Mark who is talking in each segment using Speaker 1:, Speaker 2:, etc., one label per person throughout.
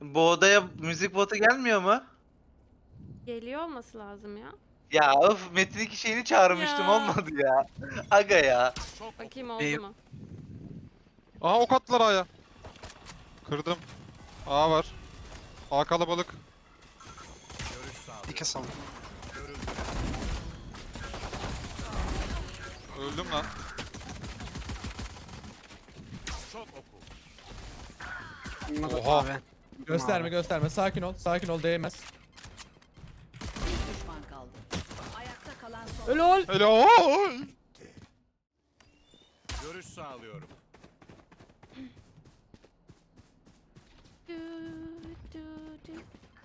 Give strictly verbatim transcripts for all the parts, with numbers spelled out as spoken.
Speaker 1: Bu odaya müzik botu gelmiyor mu?
Speaker 2: Geliyor olması lazım ya.
Speaker 1: Ya of Metin iki şeyini çağırmıştım
Speaker 2: Ya.
Speaker 1: olmadı ya. Aga ya.
Speaker 2: Bakayım oldu mu?
Speaker 3: Aha ok attılar A'ya. Kırdım. A var. A kalabalık.
Speaker 4: Dike saldım.
Speaker 3: Öldüm lan.
Speaker 4: Bunlar
Speaker 3: Oha.
Speaker 4: abi.
Speaker 5: Gösterme gösterme. Sakin ol. Sakin ol, değmez.
Speaker 6: Bir düşman kaldı. Ayakta kalan son.
Speaker 5: Ölol.
Speaker 3: Hele oy.
Speaker 7: Görüş sağlıyorum.
Speaker 2: Du, du, du.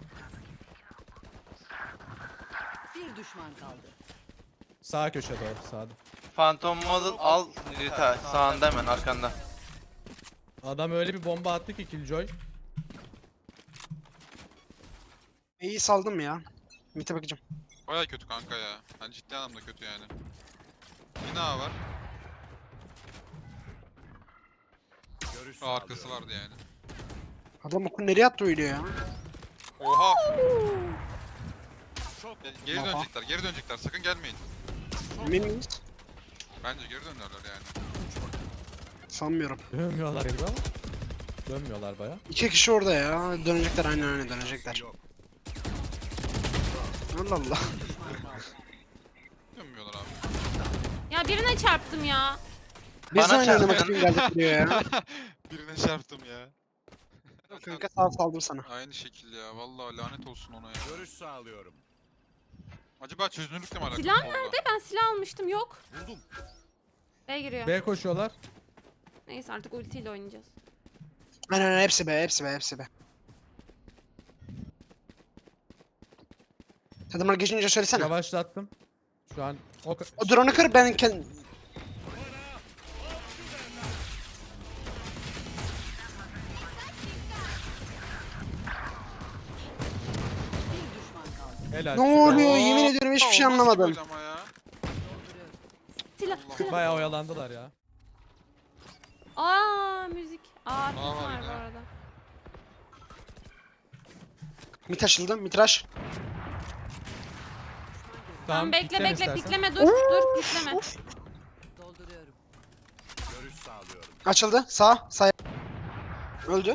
Speaker 6: Bir düşman kaldı.
Speaker 5: Sağ köşe doğru, sağda.
Speaker 1: Phantom Model al Rita sağında hemen arkanda.
Speaker 5: Adam öyle bir bomba attı ki Killjoy.
Speaker 4: İyi saldım ya. Mite bakacağım.
Speaker 3: Baya kötü kanka ya. Hani ciddi anlamda kötü yani. Yine A var.
Speaker 7: Görüş
Speaker 3: A arkası
Speaker 7: sağlıyorum.
Speaker 3: vardı yani.
Speaker 4: Adam okul nereye attı öyle ya?
Speaker 3: Oha.
Speaker 7: Çok
Speaker 3: E, Geri
Speaker 4: Aha.
Speaker 3: dönecekler, geri dönecekler. Sakın gelmeyin.
Speaker 4: Emin miyiz?
Speaker 3: Bence geri dönerler yani.
Speaker 4: Sanmıyorum.
Speaker 5: Dönmüyorlar gibi ama. Dönmüyorlar baya.
Speaker 4: İki kişi orada ya. Dönecekler aynen aynen dönecekler.
Speaker 7: yok.
Speaker 4: Allah Allah.
Speaker 6: Düşman kaldı.
Speaker 3: Dönmüyorlar abi.
Speaker 2: Ya birine çarptım ya.
Speaker 4: Biz
Speaker 1: Bana
Speaker 4: de aynı oynamak
Speaker 1: çarptın.
Speaker 4: için geldik buraya ya.
Speaker 3: Birine çarptım ya.
Speaker 4: Kanka sağ saldım sana.
Speaker 3: Aynı şekil ya. Vallahi lanet olsun ona ya.
Speaker 7: Görüş sağlıyorum.
Speaker 3: Acaba çözünürlükle mi alakalı?
Speaker 2: Silah
Speaker 3: Solda.
Speaker 2: nerede? Ben silah almıştım. Yok.
Speaker 7: Buldum.
Speaker 2: B giriyor.
Speaker 5: B koşuyorlar.
Speaker 2: Neyse artık ultiyle oynayacağız.
Speaker 4: Aynen aynen hepsi be hepsi be hepsi be. Adamlar geçince söylesene.
Speaker 5: Yavaşlattım. Şu an o ka-
Speaker 4: O drone'u kır ben kendim...
Speaker 6: Bir düşman kaldı.
Speaker 5: helal.
Speaker 4: Ne
Speaker 5: süper.
Speaker 4: oluyor? Yemin ediyorum hiçbir şey
Speaker 3: O nasıl
Speaker 4: anlamadım.
Speaker 3: gol ama ya?
Speaker 6: Dolduruyorum.
Speaker 2: Silah. silah.
Speaker 5: Bayağı oyalandılar ya.
Speaker 2: Aa müzik. Aa arkası
Speaker 3: Aa, var
Speaker 2: var bu
Speaker 3: ya.
Speaker 2: arada.
Speaker 4: Mit açıldı, mitraş.
Speaker 2: Tamam bekle
Speaker 5: pikleme
Speaker 2: bekle
Speaker 5: istersen.
Speaker 2: pikleme dur dur pikleme.
Speaker 6: Dolduruyorum.
Speaker 7: Görüş sağlıyorum.
Speaker 4: Açıldı, sağ, sağ. Öldü.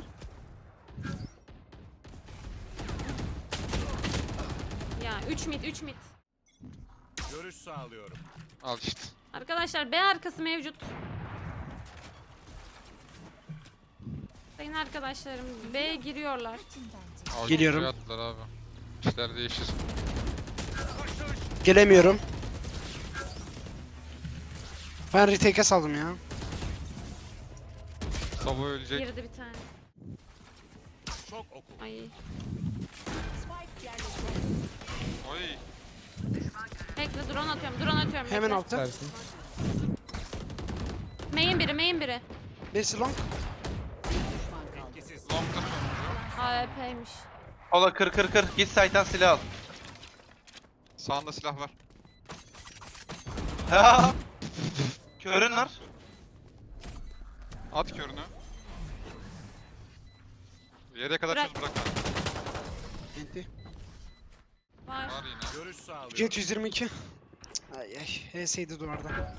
Speaker 2: Ya üç mid üç mid.
Speaker 7: Görüş sağlıyorum.
Speaker 3: Al işte.
Speaker 2: Arkadaşlar B arkası mevcut. Sayın arkadaşlarım B giriyorlar.
Speaker 3: Al,
Speaker 4: Geliyorum.
Speaker 3: şey attılar abi. İşler değişir.
Speaker 4: Gelemiyorum. Ben retake'e saldım ya.
Speaker 3: Sabo ölecek.
Speaker 2: Girdi bir tane.
Speaker 7: Çok oku.
Speaker 2: Ay.
Speaker 6: Spike yerleştirildi.
Speaker 3: Oy.
Speaker 2: Bekle drone atıyorum drone atıyorum.
Speaker 4: Hemen
Speaker 2: bekle.
Speaker 4: altı.
Speaker 5: Versin.
Speaker 2: Main biri main biri.
Speaker 4: Birisi long.
Speaker 6: Bir düşman kaldı.
Speaker 7: İkisiz.
Speaker 3: Long'da sonuncu.
Speaker 2: A W P'ymiş.
Speaker 1: Ola kır kır kır. Git site'dan silah al.
Speaker 3: Sağında silah var.
Speaker 1: Ha! Körün var.
Speaker 3: At körünü. Yere kadar
Speaker 2: Bırak.
Speaker 3: çöz bırak.
Speaker 4: Enti.
Speaker 2: Var.
Speaker 3: Var yine.
Speaker 7: Görüş sağlıyorum.
Speaker 4: Jet yüz yirmi iki. Ay ay. H S'ydi duvarda.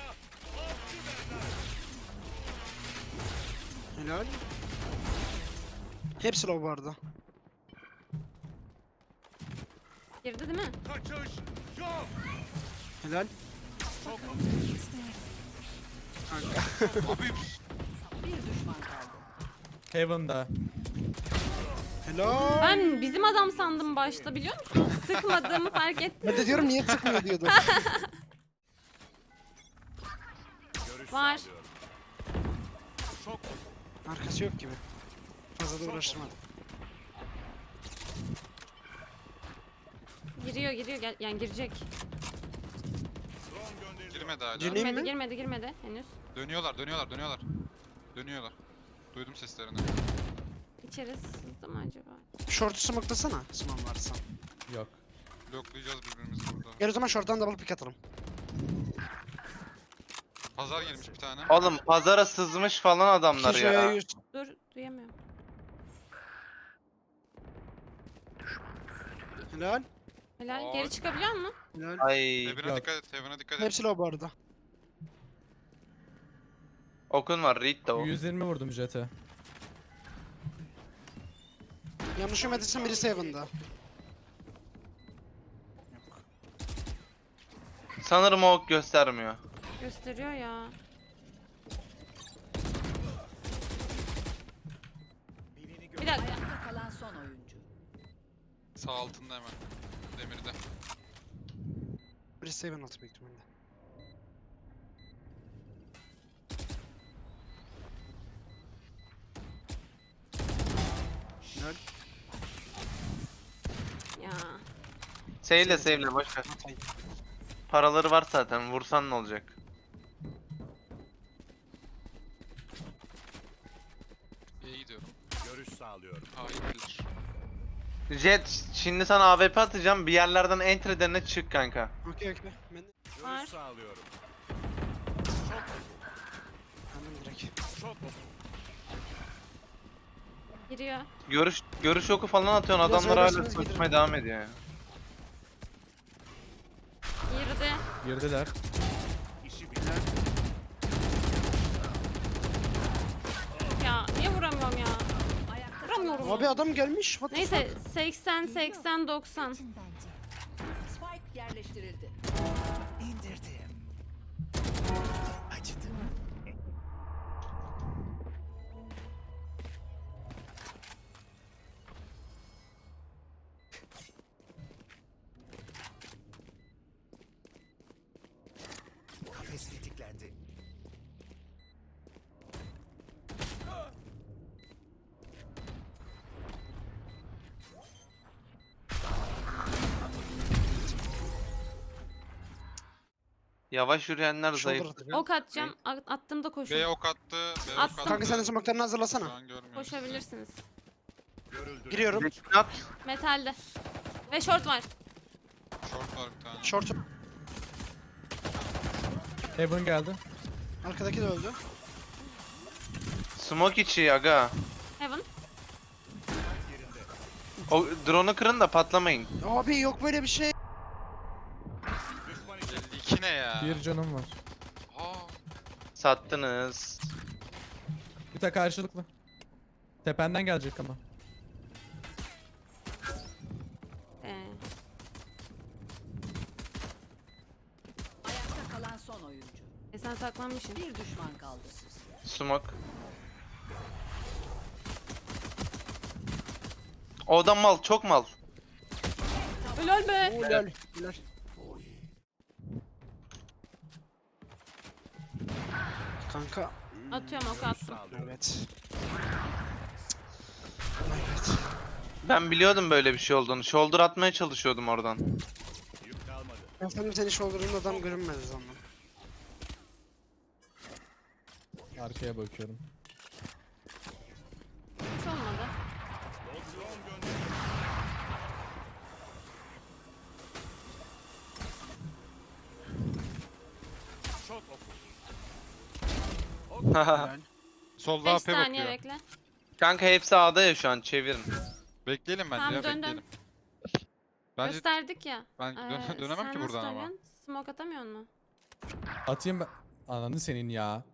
Speaker 4: Helal. Hepsi low bu arada.
Speaker 2: Girdi değil mi?
Speaker 7: Kaçış yok.
Speaker 4: Helal.
Speaker 7: Çok oku.
Speaker 3: Abi.
Speaker 6: Bir düşman kaldı.
Speaker 5: Heaven'da.
Speaker 4: Helal.
Speaker 2: Ben bizim adam sandım başta biliyor musun? Sıkmadığımı fark ettim.
Speaker 4: Ben de diyorum niye tıkmıyor diyordum.
Speaker 7: Görüş
Speaker 2: Var.
Speaker 7: sağlıyorum. Çok oku.
Speaker 4: Arkası yok gibi. Fazla da uğraştırmadım.
Speaker 2: Giriyor giriyor gel yani girecek.
Speaker 7: Drone gönderiliyor.
Speaker 3: Girmedi hala.
Speaker 4: Gireyim
Speaker 2: Girmedi
Speaker 4: mi?
Speaker 2: girmedi girmedi henüz.
Speaker 3: Dönüyorlar, dönüyorlar, dönüyorlar. Dönüyorlar. Duydum seslerini.
Speaker 2: İçeri sızdı mı acaba?
Speaker 4: Short'u smoke'lasana. Smoke varsa.
Speaker 5: Yok.
Speaker 3: Bloklayacağız birbirimizi burada.
Speaker 4: Gel o zaman short'tan double pick atalım.
Speaker 3: Pazar girmiş bir tane.
Speaker 1: Oğlum pazara sızmış falan adamlar
Speaker 4: Şuraya
Speaker 1: ya.
Speaker 4: yüz.
Speaker 2: Dur duyamıyorum.
Speaker 4: Helal.
Speaker 2: Helal.
Speaker 3: Ay.
Speaker 2: Geri çıkabiliyor musun?
Speaker 4: Helal.
Speaker 1: Ay.
Speaker 3: Heaven'a
Speaker 5: Yok.
Speaker 3: dikkat et. Heaven'a dikkat et.
Speaker 4: Hepsi low bu arada.
Speaker 1: Okun var. Reed de o.
Speaker 5: yüz yirmi vurdum jete.
Speaker 4: Yanlış yemediysem birisi Heaven'da.
Speaker 1: Sanırım o ok göstermiyor.
Speaker 2: Gösteriyor ya.
Speaker 7: Birini
Speaker 2: Bir dakika.
Speaker 6: Ayakta kalan son oyuncu.
Speaker 3: Sağ altında hemen. Demirde.
Speaker 4: Birisi Heaven altı büyük ihtimalle. Helal.
Speaker 2: Ya.
Speaker 1: Save'le save'le boş ver.
Speaker 4: Atayım.
Speaker 1: Paraları var zaten. Vursan ne olacak?
Speaker 3: İyi gidiyorum.
Speaker 7: görüş sağlıyorum.
Speaker 3: Hayır bilir.
Speaker 1: Jet şimdi sana A W P atacağım. Bir yerlerden entry'lerine çık kanka.
Speaker 4: Okey okey. Ben de
Speaker 2: Var.
Speaker 7: Görüş sağlıyorum.
Speaker 4: kendim direkt.
Speaker 7: Çok oku.
Speaker 2: Giriyor.
Speaker 1: Görüş görüş oku falan atıyorsun.
Speaker 4: Biraz
Speaker 1: Adamlar hala
Speaker 4: öylesiniz
Speaker 1: koşmaya
Speaker 4: giderim.
Speaker 1: devam ediyor ya.
Speaker 2: Girdi.
Speaker 5: Girdiler.
Speaker 7: İşi bilen.
Speaker 2: Ya niye vuramıyorum ya?
Speaker 6: Ayakta
Speaker 2: Vuramıyorum.
Speaker 4: Abi adam gelmiş. What the
Speaker 2: Neyse seksen seksen doksan.
Speaker 6: Spike yerleştirildi.
Speaker 7: İndirdim. Acıdı. Kafes tetiklendi.
Speaker 1: Yavaş yürüyenler
Speaker 4: Shoulder
Speaker 1: zayıf.
Speaker 4: atacağım.
Speaker 2: Ok atacağım. At- Attığımda koşun.
Speaker 3: B ok attı. B ok
Speaker 2: Attım.
Speaker 3: attı.
Speaker 4: Kanka sen de smoke'larını
Speaker 3: Şu
Speaker 4: hazırlasana.
Speaker 3: an görmüyoruz.
Speaker 2: Koşabilirsiniz.
Speaker 7: Görüldü.
Speaker 4: Giriyorum.
Speaker 1: Bekle at.
Speaker 2: Metalde. Ve short var.
Speaker 3: Short var bir tane.
Speaker 4: Short.
Speaker 5: Heaven geldi.
Speaker 4: Arkadaki de öldü.
Speaker 1: Smoke içi aga.
Speaker 2: Heaven.
Speaker 1: O drone'u kırın da patlamayın.
Speaker 4: Abi yok böyle bir şey.
Speaker 7: Düşman için.
Speaker 3: elli iki ne ya?
Speaker 5: Bir canım var.
Speaker 3: Aa.
Speaker 1: Sattınız.
Speaker 5: Bir de karşılıklı. Tependen gelecek ama.
Speaker 2: Ee,
Speaker 6: Ayakta kalan son oyuncu.
Speaker 2: e sen saklanmışsın.
Speaker 6: Bir düşman kaldı.
Speaker 1: Smoke. O adam mal, çok mal.
Speaker 2: Helal be.
Speaker 4: Helal. Helal. Kanka.
Speaker 2: Atıyorum ok
Speaker 7: Görüş
Speaker 2: attım.
Speaker 7: sağlıyorum.
Speaker 4: Evet. Evet.
Speaker 1: Ben biliyordum böyle bir şey olduğunu. Shoulder atmaya çalışıyordum oradan.
Speaker 7: Yük kalmadı.
Speaker 4: Ben sanırım seni shoulder'ın adam görünmedi zaman.
Speaker 5: Arkaya bakıyorum.
Speaker 2: Hiç olmadı.
Speaker 7: Drone gönder. Çok oku.
Speaker 4: Helal.
Speaker 3: Solda
Speaker 2: beş
Speaker 3: A P
Speaker 2: saniye
Speaker 3: bakıyor.
Speaker 2: bekle.
Speaker 1: Kanka hepsi A'da ya şu an, çevirin.
Speaker 3: Bekleyelim bence
Speaker 2: Tamam,
Speaker 3: ya
Speaker 2: dön, dön.
Speaker 3: bekleyelim. Bence
Speaker 2: Gösterdik ya.
Speaker 3: ben
Speaker 2: Ee,
Speaker 3: dö- dönemem
Speaker 2: sen
Speaker 3: ki
Speaker 2: nasıl
Speaker 3: buradan ama.
Speaker 2: dönüyorsun? Smoke atamıyor musun?
Speaker 5: Atayım ben. Ananı senin ya.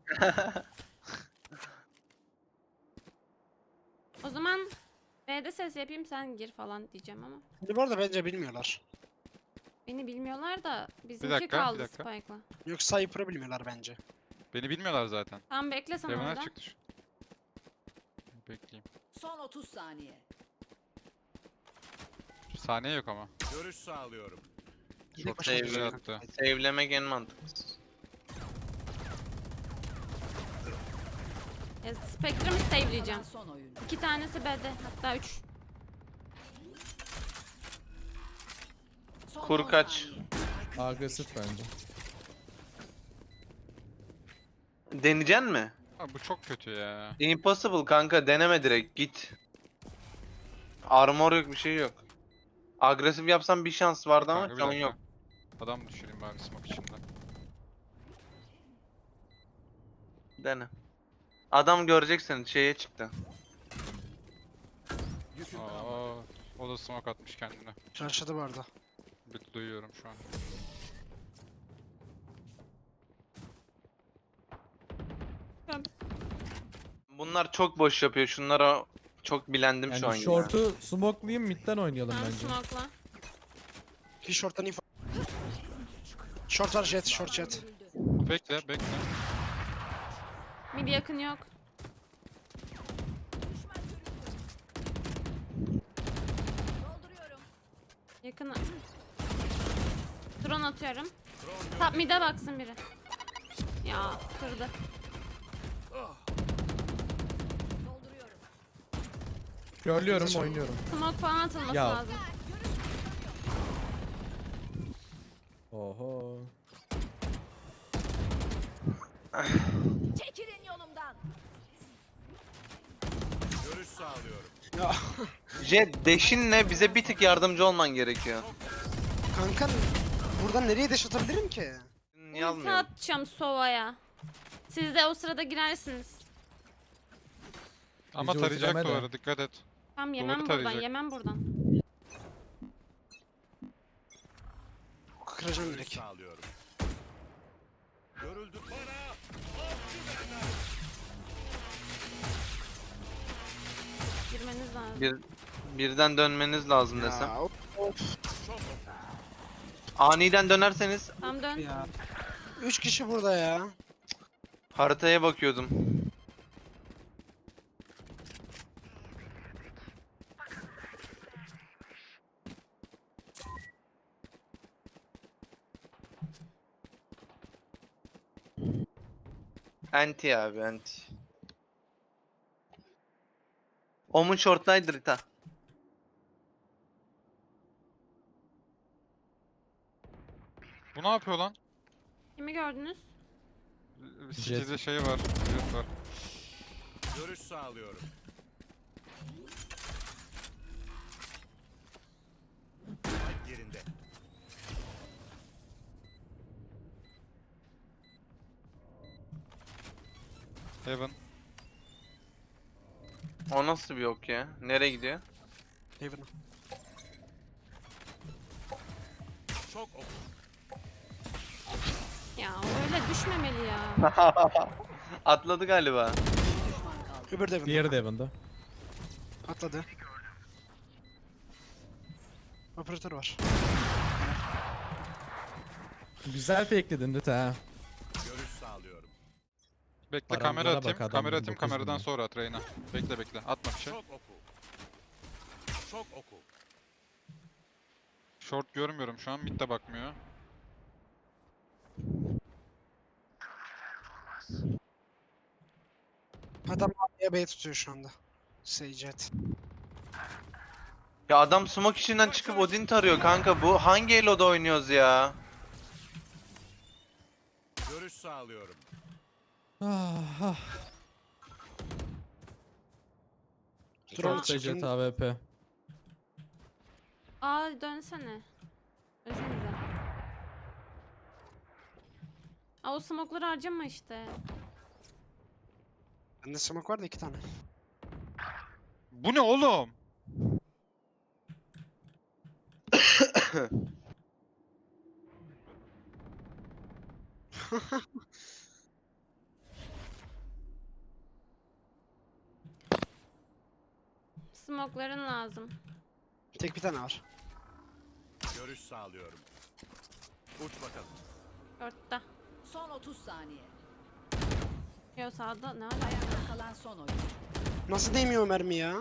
Speaker 2: O zaman B'de ses yapayım sen gir falan diyeceğim ama.
Speaker 4: Şimdi bu arada bence bilmiyorlar.
Speaker 2: Beni bilmiyorlar da bizimki
Speaker 3: dakika, bir
Speaker 2: kaldı
Speaker 3: dakika.
Speaker 2: Spike'la.
Speaker 4: Yok Cypher'ı bilmiyorlar bence.
Speaker 3: Beni bilmiyorlar zaten.
Speaker 2: Tamam bekle sen
Speaker 3: Heaven'a
Speaker 2: orada.
Speaker 3: çıktı. şu- Bekleyeyim.
Speaker 6: Son otuz saniye.
Speaker 3: Saniye yok ama.
Speaker 7: Görüş sağlıyorum.
Speaker 4: Tek
Speaker 3: Short
Speaker 4: başına
Speaker 1: save'le
Speaker 4: düşüyor.
Speaker 3: attı.
Speaker 1: Save'lemek en mantıklısı.
Speaker 2: E, Spectrum'u save'leyeceğim.
Speaker 6: Kalan son oyuncu.
Speaker 2: İki tanesi B'de hatta üç.
Speaker 6: Son
Speaker 1: Kur
Speaker 6: on
Speaker 1: kaç.
Speaker 6: saniye.
Speaker 5: Agresif bence.
Speaker 1: Deneyeceksin mi?
Speaker 3: Abi bu çok kötü ya.
Speaker 1: Impossible kanka, deneme direkt git. Armor yok, bir şey yok. Agresif yapsam bir şans vardı ama
Speaker 3: Kanka, bir
Speaker 1: şu an
Speaker 3: dakika.
Speaker 1: yok.
Speaker 3: Adam düşüreyim bari smoke içinde.
Speaker 1: Dene. Adam görecek seni, şeye çıktı.
Speaker 7: Yükün kalmadı.
Speaker 3: Aa, O da smoke atmış kendine.
Speaker 4: Çarşıda bu arada.
Speaker 3: Bir duyuyorum şu an.
Speaker 1: Bunlar çok boş yapıyor. Şunlara çok bilendim şu an
Speaker 5: Yani
Speaker 1: ya.
Speaker 5: short'u smoke'layayım midden oynayalım
Speaker 2: Ben
Speaker 5: bence.
Speaker 2: smoke'la.
Speaker 4: Ki short'tan info. Short var jet, short jet.
Speaker 3: Bekle bekle.
Speaker 2: Mid yakın yok. Yakın. Drone atıyorum. Top mid'e baksın biri. Ya kırdı.
Speaker 5: Görüyorum oynuyorum.
Speaker 2: Smoke falan atılması
Speaker 5: Ya.
Speaker 2: lazım.
Speaker 5: Oho.
Speaker 6: Çekilin yolumdan.
Speaker 7: Görüş sağlıyorum.
Speaker 4: Ya
Speaker 1: Jet deşinle bize bir tık yardımcı olman gerekiyor.
Speaker 4: kanka buradan nereye dash atabilirim ki?
Speaker 1: Niye
Speaker 2: Ulti
Speaker 1: almıyorum?
Speaker 2: atacağım Sova'ya. Siz de o sırada girersiniz.
Speaker 3: Ama
Speaker 5: Bizi
Speaker 3: tarayacak
Speaker 5: ultileme de.
Speaker 3: duvarı, dikkat et.
Speaker 2: Tamam yemem
Speaker 3: Doğru
Speaker 2: buradan,
Speaker 3: tarayacak.
Speaker 2: yemem buradan.
Speaker 4: Kıracağım
Speaker 7: Görüş
Speaker 4: direkt.
Speaker 7: sağlıyorum. Görüldü bana.
Speaker 2: Girmeniz lazım.
Speaker 1: Bir, birden dönmeniz lazım desem.
Speaker 4: Ya, of, of
Speaker 7: Çok oku.
Speaker 1: Aniden dönerseniz
Speaker 2: Tamam dön.
Speaker 4: ya. Üç kişi burada ya.
Speaker 1: haritaya bakıyordum. Anti abi anti. Omun short'taydı Rita.
Speaker 3: Bu ne yapıyor lan?
Speaker 2: Kimi gördünüz?
Speaker 3: City'de şey var. Jet var.
Speaker 7: Görüş sağlıyorum. Spike yerinde.
Speaker 3: Heaven.
Speaker 1: O nasıl bir ok ya? Nereye gidiyor?
Speaker 4: Haven.
Speaker 7: Çok oku.
Speaker 2: Ya öyle düşmemeli ya.
Speaker 1: Atladı galiba.
Speaker 6: Düşman kaldı.
Speaker 4: Öbür de Haven.
Speaker 5: Diğeri de Evan'da.
Speaker 4: Atladı. Operatör var.
Speaker 5: Güzel fake'ledin Rita ha.
Speaker 7: Görüş sağlıyorum.
Speaker 3: Bekle
Speaker 5: Paramlara
Speaker 3: kamera
Speaker 5: bak
Speaker 3: atayım.
Speaker 5: adam,
Speaker 3: Kamera atayım
Speaker 5: dokuz bin
Speaker 3: kameradan
Speaker 5: lira.
Speaker 3: sonra at Reyna. Bekle bekle. Atma bir şey.
Speaker 7: Çok oku. Çok oku.
Speaker 3: Short görmüyorum şu an. Mid de bakmıyor.
Speaker 4: Adam A'ya B tutuyor şu anda. Seyjet.
Speaker 1: Ya adam smoke içinden çıkıp Odin tarıyor kanka. Bu hangi elo'da oynuyoruz ya?
Speaker 7: Görüş sağlıyorum.
Speaker 5: Ah, ah.
Speaker 4: Drone
Speaker 5: Short da Jet
Speaker 4: çıkın.
Speaker 5: A W P.
Speaker 2: Aa dönsene. Dönsenize. Aa o smoke'ları harcama işte.
Speaker 4: Bende smoke var da iki tane.
Speaker 3: Bu ne oğlum?
Speaker 2: Smoke'ların lazım.
Speaker 4: Tek bir tane var.
Speaker 7: Görüş sağlıyorum. Uç bakalım.
Speaker 2: Dörtte.
Speaker 6: Son otuz saniye.
Speaker 2: Yo sağda ne alaka?
Speaker 6: Ayakta kalan son oyun.
Speaker 4: Nasıl değmiyor o mermi ya?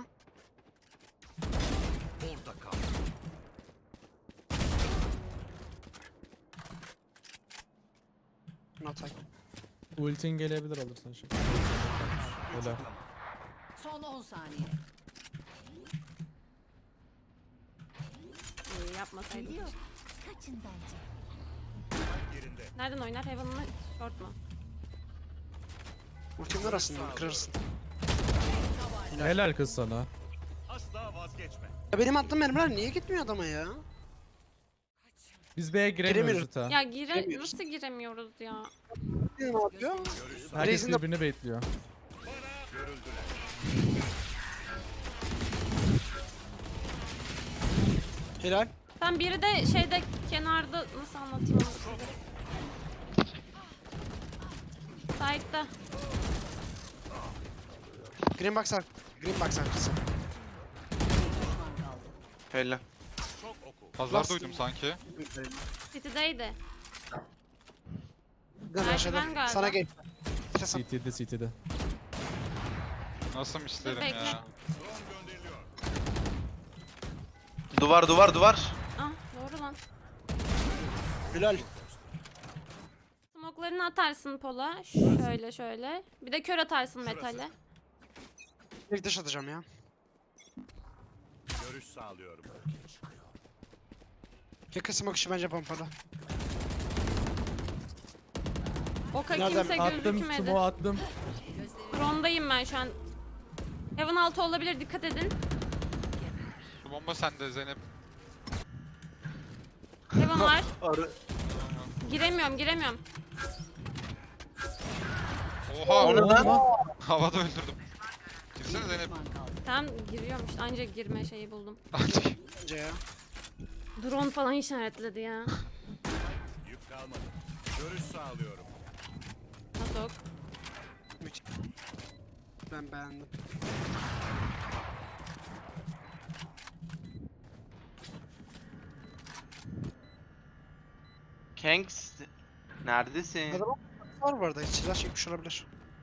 Speaker 7: Orada kal.
Speaker 4: Not
Speaker 5: Ultin gelebilir alırsan şey. Öyle.
Speaker 6: Son on saniye.
Speaker 2: Ee, yapmasaydım.
Speaker 6: Kaçın bence.
Speaker 7: Spike yerinde.
Speaker 2: Nereden oynar? Heaven mı? Short mu?
Speaker 4: Ultimler aslında kırarsın.
Speaker 5: Helal kız sana.
Speaker 7: Asla vazgeçme.
Speaker 4: Ya benim attığım mermiler niye gitmiyor adama ya?
Speaker 5: Biz B'ye giremiyoruz
Speaker 4: Giremiyoruz.
Speaker 5: Rita.
Speaker 2: Ya gire
Speaker 4: Giremiyoruz.
Speaker 2: nasıl giremiyoruz ya?
Speaker 4: Ne yapıyor?
Speaker 7: Görüş sağlıyorum.
Speaker 5: Herkes
Speaker 4: Raze'in de-
Speaker 5: birbirini baitliyor.
Speaker 7: Görüldüler.
Speaker 4: Helal.
Speaker 2: Tam biri de şeyde kenarda nasıl anlatayım onu size. Side'da.
Speaker 4: Green box ar- Green box arkası.
Speaker 1: Helal.
Speaker 7: Çok oku.
Speaker 3: Pazar
Speaker 4: Last-
Speaker 3: duydum sanki.
Speaker 2: City'deydi.
Speaker 4: Gun
Speaker 2: Merdiven
Speaker 4: aşağıda.
Speaker 2: galiba.
Speaker 4: Sana gel.
Speaker 5: C T'de C T'de.
Speaker 3: Nasıl isterim
Speaker 2: Bekle.
Speaker 3: ya.
Speaker 7: Drone gönderiliyor.
Speaker 1: Duvar duvar duvar.
Speaker 2: Ah doğru lan.
Speaker 4: Helal.
Speaker 2: Smoklarını atarsın pola. Şöyle şöyle. Bir de kör atarsın
Speaker 7: Şurası.
Speaker 2: metale.
Speaker 4: Bir dış atacağım ya.
Speaker 7: Görüş sağlıyorum.
Speaker 4: Yakın smoke işi bence pompalı.
Speaker 2: Oka
Speaker 4: Nereden?
Speaker 2: kimse
Speaker 5: Attım
Speaker 2: gözükmedi.
Speaker 5: smoke attım.
Speaker 2: Rondayım ben şu an. Heaven altı olabilir, dikkat edin.
Speaker 3: Şu bomba sende Zeynep.
Speaker 2: Heaven var.
Speaker 1: Arı.
Speaker 2: Giremiyorum giremiyorum.
Speaker 3: Oha!
Speaker 1: O ne lan?
Speaker 3: Havada öldürdüm. Girsene Zeynep.
Speaker 6: Düşman kaldı.
Speaker 2: Tam giriyorum işte, ancak girme şeyi buldum.
Speaker 4: Bence ya.
Speaker 2: Drone falan işaretledi ya.
Speaker 7: Yük kalmadı. Görüş sağlıyorum.
Speaker 2: Nasıl?
Speaker 4: Müthiş. Ben beğendim.
Speaker 1: Kanks. Neredesin?
Speaker 4: Burada var bu arada. Hiç silah çekmiş olabilir.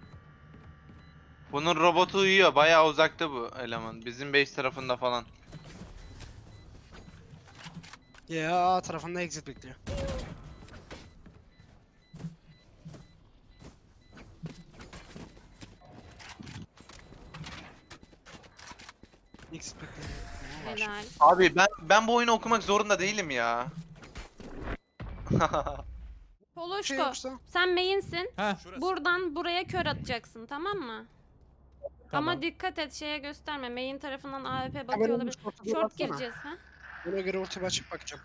Speaker 1: Bunun robotu uyuyor. Bayağı uzakta bu eleman. Bizim base tarafında falan.
Speaker 4: Ya A tarafında exit bekliyor. Exit bekliyor. Ne var?
Speaker 2: Helal.
Speaker 1: Abi ben ben bu oyunu okumak zorunda değilim ya.
Speaker 4: Bir şey
Speaker 2: Poloşko,
Speaker 4: yoksa.
Speaker 2: sen main'sin.
Speaker 5: Heh
Speaker 7: Şurası.
Speaker 2: Buradan buraya kör atacaksın, tamam mı?
Speaker 5: tamam.
Speaker 2: Ama dikkat et, şeye gösterme. Main tarafından A W P
Speaker 4: Hemen
Speaker 2: bakıyor
Speaker 4: onun
Speaker 2: olabilir.
Speaker 4: short'a doğru
Speaker 2: Short
Speaker 4: atsana.
Speaker 2: gireceğiz ha.
Speaker 4: Ona göre ultimi açıp bakacağım.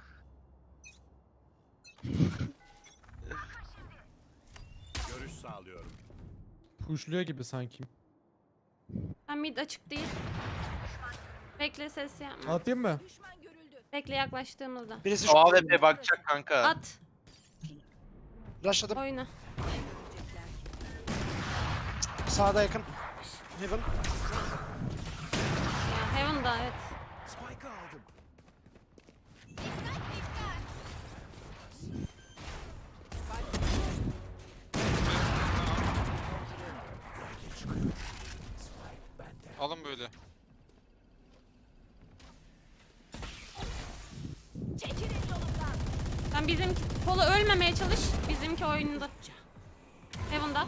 Speaker 7: Görüş sağlıyorum.
Speaker 5: Pushluyor gibi sanki.
Speaker 2: Ben mid açık değil. Bekle, ses yapma.
Speaker 5: Atayım mı?
Speaker 2: Bekle yaklaştığımızda.
Speaker 4: Birisi
Speaker 1: O
Speaker 4: şu
Speaker 1: A W P bakacak kanka.
Speaker 2: At,
Speaker 4: rushladım.
Speaker 2: oyna.
Speaker 4: Sağda yakın. Heaven.
Speaker 2: Ya Heaven'da evet.
Speaker 7: Spike'ı aldım.
Speaker 3: Alın böyle.
Speaker 2: Sen bizimki Polo ölmemeye çalış. Bizimki oyunda. Heaven'da.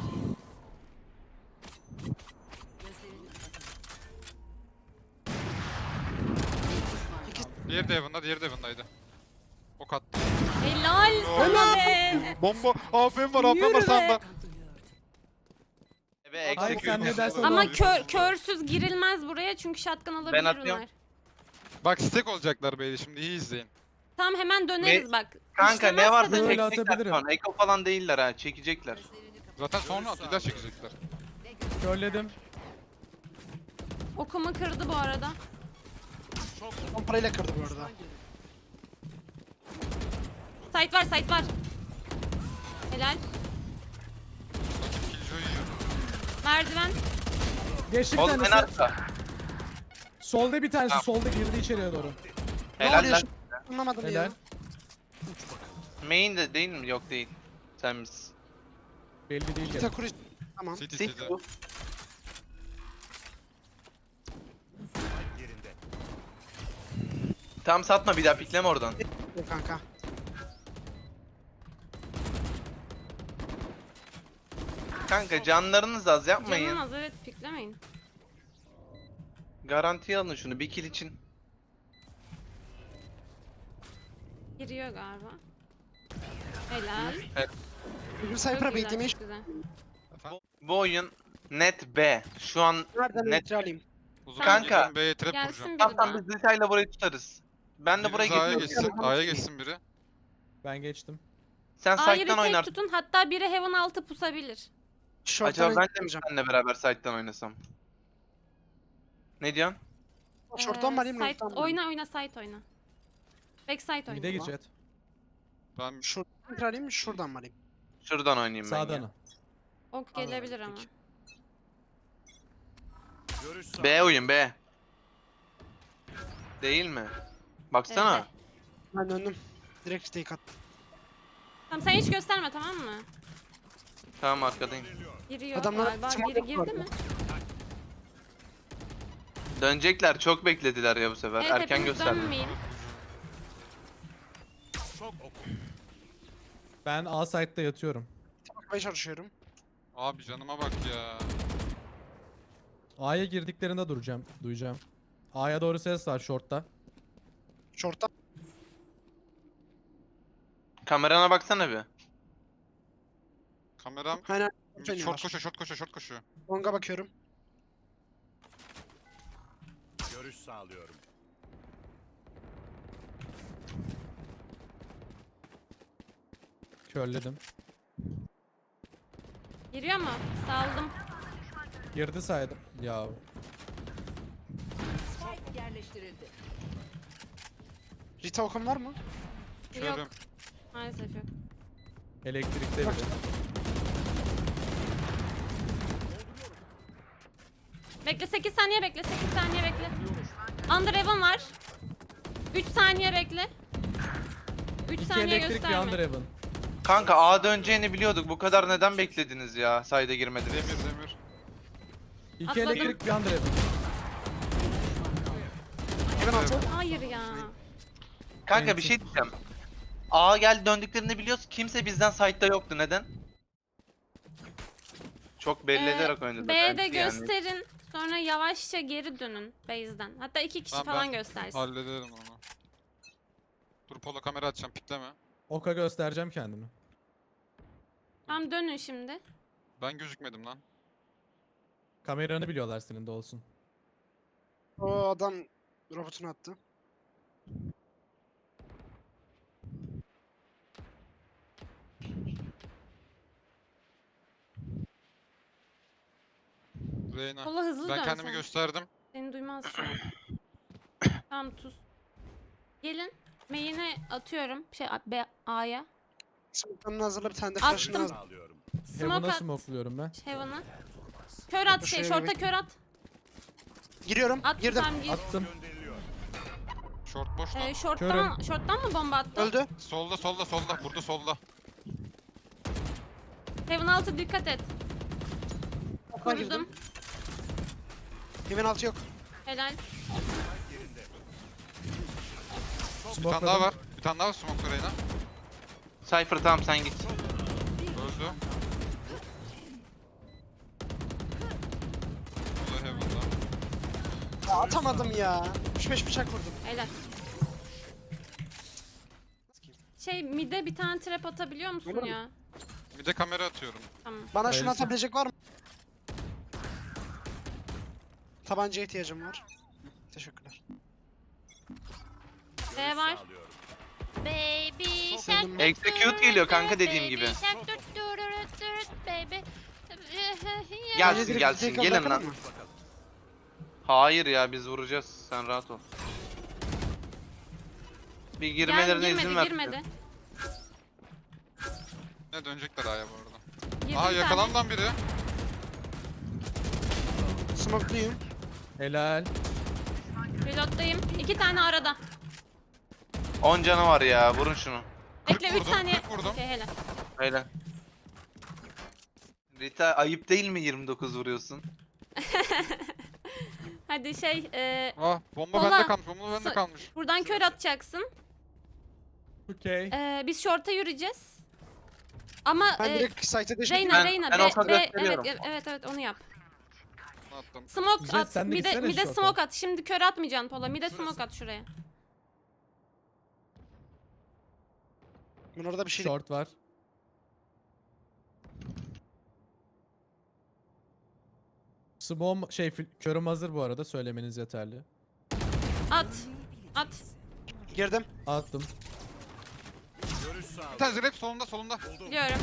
Speaker 6: Gözlerini kapatın.
Speaker 3: Diğeri de Evan'da, diğeri de Evan'daydı. Ok attı.
Speaker 2: Helal sana be.
Speaker 3: Bomba! A P M var, A P M var
Speaker 2: Yürü be.
Speaker 3: sağında.
Speaker 1: Ve
Speaker 5: Hayır, sen ne dersen
Speaker 2: Ama
Speaker 5: olur.
Speaker 2: kör, körsüz girilmez buraya çünkü shotgun alabilir
Speaker 1: atıyorum.
Speaker 2: onlar.
Speaker 3: Bak stack olacaklar beyler, şimdi iyi izleyin.
Speaker 2: Tamam, hemen döneriz bak.
Speaker 1: Kanka
Speaker 2: İşlemezse
Speaker 1: ne varsa
Speaker 2: döneriz.
Speaker 5: Böyle
Speaker 1: çekecekler
Speaker 5: atabilirim.
Speaker 1: şu an. Eko falan değiller ha. Çekecekler.
Speaker 3: Zaten sonra atıyla çekecekler.
Speaker 5: Körledim.
Speaker 2: Okumu kırdı bu arada.
Speaker 4: Pomparayla kırdı bu arada.
Speaker 2: Site var, site var. Helal.
Speaker 3: Killjoy yiyor.
Speaker 2: Merdiven.
Speaker 5: Geçti bir
Speaker 1: Oğlum en
Speaker 5: tanesi.
Speaker 1: arka.
Speaker 5: Solda bir tanesi.
Speaker 1: Tamam.
Speaker 5: Solda girdi içeriye doğru.
Speaker 4: Ne
Speaker 1: Helal
Speaker 4: oluyor
Speaker 1: lan.
Speaker 4: şu- Anlamadım
Speaker 5: Helal.
Speaker 4: ya.
Speaker 1: Main de değil mi? Yok değil. Sen misin?
Speaker 5: Belli değil.
Speaker 4: Bir
Speaker 5: yani.
Speaker 4: takuri. Tamam.
Speaker 3: City
Speaker 1: Sik
Speaker 3: City.
Speaker 1: bu.
Speaker 7: Spike yerinde.
Speaker 1: Tam satma, bir daha pikleme oradan.
Speaker 4: Yok kanka.
Speaker 1: Kanka canlarınız az, yapmayın.
Speaker 2: Canın az, evet, piklemeyin.
Speaker 1: Garantiye alın şunu bir kill için.
Speaker 2: Giriyor galiba. Helal.
Speaker 4: Bugün
Speaker 2: Çok
Speaker 4: Cypher'a
Speaker 2: güzel,
Speaker 4: beklemeyi
Speaker 2: çok güzel.
Speaker 1: Bu oyun net B. Şu an
Speaker 4: nereden
Speaker 1: net.
Speaker 4: metre alayım?
Speaker 3: Uzun
Speaker 1: Kanka.
Speaker 3: gidelim, B'ye trap
Speaker 2: Gelsin
Speaker 3: vuracağım.
Speaker 2: biri
Speaker 1: Tamam
Speaker 2: daha.
Speaker 1: tamam, biz detayla burayı tutarız. Ben de buraya
Speaker 3: Biriniz A'ya
Speaker 1: geçiyorum.
Speaker 3: geçsin, A'ya geçsin biri.
Speaker 5: Ben geçtim.
Speaker 1: Sen
Speaker 2: A'yı
Speaker 1: side'dan
Speaker 2: retake
Speaker 1: oynar.
Speaker 2: tutun, hatta biri Heaven altı pusabilir.
Speaker 4: Short'tan
Speaker 1: Acaba ben de mi
Speaker 4: oynayacağım.
Speaker 1: seninle beraber side'dan oynasam? Ne diyorsun?
Speaker 4: Short'tan mı
Speaker 2: Ee,
Speaker 4: alayım?
Speaker 2: site-
Speaker 4: long'tan mı alayım?
Speaker 2: oyna oyna, site oyna. Backside
Speaker 5: Mide
Speaker 2: oynuyor.
Speaker 5: gir jet.
Speaker 3: Ben
Speaker 4: Şuradan kırayım mı? Şuradan mı alayım?
Speaker 1: Şuradan oynayayım ben
Speaker 5: Sağdan.
Speaker 1: ya.
Speaker 5: al.
Speaker 2: Ok gelebilir ama.
Speaker 4: peki.
Speaker 7: Görüş sağlıyorum.
Speaker 1: B oyun B. Değil mi? Baksana.
Speaker 2: Evet.
Speaker 4: Ben döndüm. Direkt stake attım.
Speaker 2: Tamam sen hiç gösterme tamam mı?
Speaker 1: Tamam arkadayım.
Speaker 2: Giriyor
Speaker 4: Adamlar
Speaker 2: galiba.
Speaker 4: smoke
Speaker 2: Biri girdi
Speaker 4: yapıyorlar.
Speaker 2: mi?
Speaker 1: Dönecekler. Çok beklediler ya bu sefer.
Speaker 2: Evet
Speaker 1: Erken
Speaker 2: hepiniz
Speaker 1: gösterdi.
Speaker 2: dönmeyin.
Speaker 7: Çok oku.
Speaker 5: Ben A site'da yatıyorum.
Speaker 4: Bakmaya çalışıyorum.
Speaker 3: abi canıma bak ya.
Speaker 5: A'ya girdiklerinde duracağım. Duyacağım. A'ya doğru ses var short'ta.
Speaker 4: Short'tan.
Speaker 1: Kamerana baksana bir.
Speaker 3: Kameram
Speaker 4: Aynen.
Speaker 3: short koşuyor, short koşuyor, short koşuyor.
Speaker 4: Long'a bakıyorum.
Speaker 7: Görüş sağlıyorum.
Speaker 5: Körledim.
Speaker 2: Giriyor mu? Saldım.
Speaker 5: Girdi saydım. Ya
Speaker 6: Spike yerleştirildi.
Speaker 4: Rita okun var mı?
Speaker 3: Körüm.
Speaker 2: Yok. Maalesef yok.
Speaker 5: elektrikte biri.
Speaker 2: Bekle sekiz saniye bekle. sekiz saniye bekle. Under Heaven var. üç saniye bekle. üç
Speaker 5: İki
Speaker 2: saniye
Speaker 5: elektrik bir
Speaker 2: gösterme.
Speaker 5: under heaven.
Speaker 1: Kanka A döneceğini biliyorduk. Bu kadar neden beklediniz ya? Sayda girmediniz.
Speaker 3: Demir demir.
Speaker 5: İki
Speaker 2: Atladım.
Speaker 5: elektrik bir under heaven.
Speaker 4: Hemen altı.
Speaker 2: Hayır ya.
Speaker 1: Kanka bir şey diyeceğim. A geldi döndüklerini biliyoruz. Kimse bizden site'da yoktu. Neden? Çok belli
Speaker 2: Ee,
Speaker 1: ederek oynadı.
Speaker 2: B'de
Speaker 1: belki yani.
Speaker 2: gösterin. Sonra yavaşça geri dönün base'den. Hatta iki kişi
Speaker 3: Tamam,
Speaker 2: falan
Speaker 3: ben
Speaker 2: göstersin.
Speaker 3: Hallederim onu. Dur polo kamera açacağım, pikleme.
Speaker 5: Oka göstereceğim kendimi.
Speaker 2: Tamam dönün şimdi.
Speaker 3: Ben gözükmedim lan.
Speaker 5: Kameranı biliyorlar senin de olsun.
Speaker 4: O adam robotunu attı.
Speaker 3: Reyna.
Speaker 2: Kola hızlı
Speaker 3: Ben
Speaker 2: dön
Speaker 3: kendimi
Speaker 2: sen.
Speaker 3: gösterdim.
Speaker 2: Seni duymaz şu an. Tamam tuz. Gelin. Main'e atıyorum. Şey B A'ya.
Speaker 4: Smoke'larını hazırla, bir tane de
Speaker 2: Attım.
Speaker 4: flash'ını hazırla.
Speaker 7: Sağlıyorum.
Speaker 2: Smoke
Speaker 5: Heaven'a
Speaker 2: at.
Speaker 5: smokluyorum ben.
Speaker 2: Heaven'a. Kör at şey.
Speaker 4: Şuraya
Speaker 2: Short'a
Speaker 4: bir-
Speaker 2: kör at.
Speaker 4: Giriyorum.
Speaker 2: At
Speaker 4: Girdim.
Speaker 2: tamam gir.
Speaker 5: Attım.
Speaker 7: Gönderiliyor.
Speaker 3: Short boş lan.
Speaker 2: Ee, short'tan, short'tan mı bomba attı?
Speaker 4: Öldü.
Speaker 3: Solda solda solda. Burada solda.
Speaker 2: Heaven altı dikkat et.
Speaker 4: Korudum.
Speaker 2: Korudum.
Speaker 4: Hemen altı yok.
Speaker 2: Helal.
Speaker 3: Bir tane daha var. Bir tane daha var smoke Reyna.
Speaker 1: Cypher tamam sen git.
Speaker 3: Öldü. Bu da Heaven'da.
Speaker 4: Ya atamadım ya. üç beş bıçak vurdum.
Speaker 2: Helal. Şey mid'e bir tane trap atabiliyor musun
Speaker 4: Olur mu?
Speaker 2: ya?
Speaker 3: Bir de kamera atıyorum.
Speaker 2: Tamam.
Speaker 4: Bana şunu
Speaker 5: Hayırlısı.
Speaker 4: atabilecek var mı? Tabancaya ihtiyacım var. Teşekkürler.
Speaker 2: B var.
Speaker 7: Sağlıyorum.
Speaker 2: Baby
Speaker 4: Sevindim.
Speaker 1: Execute geliyor kanka dediğim gibi.
Speaker 2: baby.
Speaker 1: Gelsin
Speaker 4: Bence direkt
Speaker 1: gelsin
Speaker 4: take
Speaker 1: gelin
Speaker 4: bırakalım
Speaker 1: lan.
Speaker 4: mı?
Speaker 1: Hayır ya biz vuracağız. Sen rahat ol. Bir girmelerine
Speaker 2: Gel,
Speaker 1: izin
Speaker 2: girmedi,
Speaker 1: ver.
Speaker 2: girmedi.
Speaker 3: Ne dönecekler aya bu arada.
Speaker 2: Girdi
Speaker 3: Aha
Speaker 2: bir
Speaker 3: yakalan
Speaker 2: tane.
Speaker 3: lan biri.
Speaker 4: Smoke'luyum.
Speaker 5: Helal.
Speaker 2: Reload'dayım. İki tane arada.
Speaker 1: on canı var ya vurun şunu.
Speaker 2: Bekle üç
Speaker 3: vurdum,
Speaker 2: saniye.
Speaker 3: kırk vurdum.
Speaker 2: Okey helal.
Speaker 1: Öyle. Rita ayıp değil mi yirmi dokuz vuruyorsun?
Speaker 2: Hadi şey e,
Speaker 3: Ah bomba
Speaker 2: Kola.
Speaker 3: bende kalmış, bomba bende
Speaker 2: Sa-
Speaker 3: kalmış.
Speaker 2: buradan kör atacaksın.
Speaker 5: Okey.
Speaker 2: E, biz short'a yürüyeceğiz. Ama
Speaker 4: Ben
Speaker 2: e,
Speaker 4: direkt site'e değiştim.
Speaker 2: Reyna
Speaker 1: Ben-
Speaker 2: Reyna
Speaker 1: ben
Speaker 2: B,
Speaker 1: olsa
Speaker 2: B evet,
Speaker 1: gösteriyorum.
Speaker 2: evet evet onu yap.
Speaker 3: Ne attım?
Speaker 2: Smoke
Speaker 5: Jet,
Speaker 2: at.
Speaker 5: sen de
Speaker 2: Bir de,
Speaker 5: gitsene
Speaker 2: bir de
Speaker 5: short'a.
Speaker 2: smoke at. Şimdi kör atmayacaksın Pola. Bir de smoke at şuraya.
Speaker 4: Ben orada bir şey
Speaker 5: Short var. Smom şey fil- körüm hazır bu arada söylemeniz yeterli.
Speaker 2: At. At.
Speaker 4: girdim.
Speaker 5: Attım.
Speaker 7: Görüş
Speaker 3: Bir
Speaker 7: sağlıyorum.
Speaker 3: tane zirep solunda solunda.
Speaker 2: Biliyorum.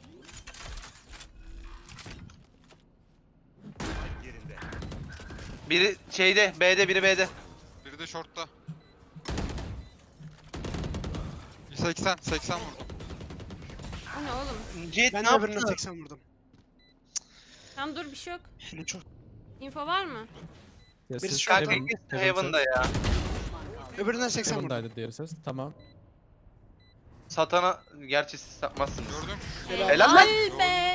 Speaker 7: Yerinde.
Speaker 1: Biri şeyde B'de biri B'de.
Speaker 3: Biri de shortta. seksen, seksen vurdum.
Speaker 2: O ne oğlum?
Speaker 1: Jet
Speaker 4: Ben
Speaker 1: ne
Speaker 4: de birine
Speaker 1: yaptın?
Speaker 4: seksen vurdum.
Speaker 2: Tamam dur bir şey yok.
Speaker 4: Yine çok.
Speaker 2: Info var mı?
Speaker 5: Ya
Speaker 4: Birisi
Speaker 5: siz
Speaker 4: şu
Speaker 1: Kanka
Speaker 5: Heaven-
Speaker 1: ikisi
Speaker 5: Heaven
Speaker 1: Heaven'da
Speaker 5: ses.
Speaker 1: ya.
Speaker 4: Öbüründen seksen vurdum.
Speaker 5: Heaven'daydı diğeri ses. Tamam.
Speaker 1: Satana gerçi siz satmazsınız.
Speaker 3: Gördüm.
Speaker 1: Helal lan.
Speaker 2: Helal be.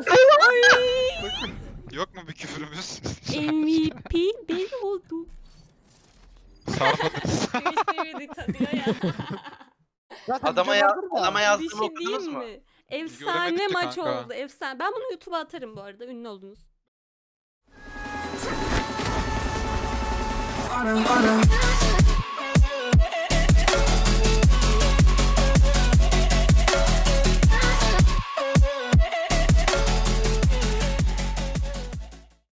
Speaker 3: Yok mu bir küfürümüz?
Speaker 2: M V P ben oldum.
Speaker 3: Sarmadınız.
Speaker 2: Sevinç tanıyor ya.
Speaker 4: Zaten
Speaker 1: Adama
Speaker 4: video
Speaker 1: ya
Speaker 4: vardır da.
Speaker 1: adama
Speaker 2: Bir
Speaker 1: yazdığımı
Speaker 2: şey
Speaker 1: okudunuz
Speaker 2: diyeyim
Speaker 1: mu?
Speaker 2: mi? Efsane
Speaker 3: Göremedik de
Speaker 2: maç
Speaker 3: kanka.
Speaker 2: oldu. Efsane. Ben bunu YouTube'a atarım bu arada. Ünlü oldunuz.
Speaker 8: Bottom, bottom.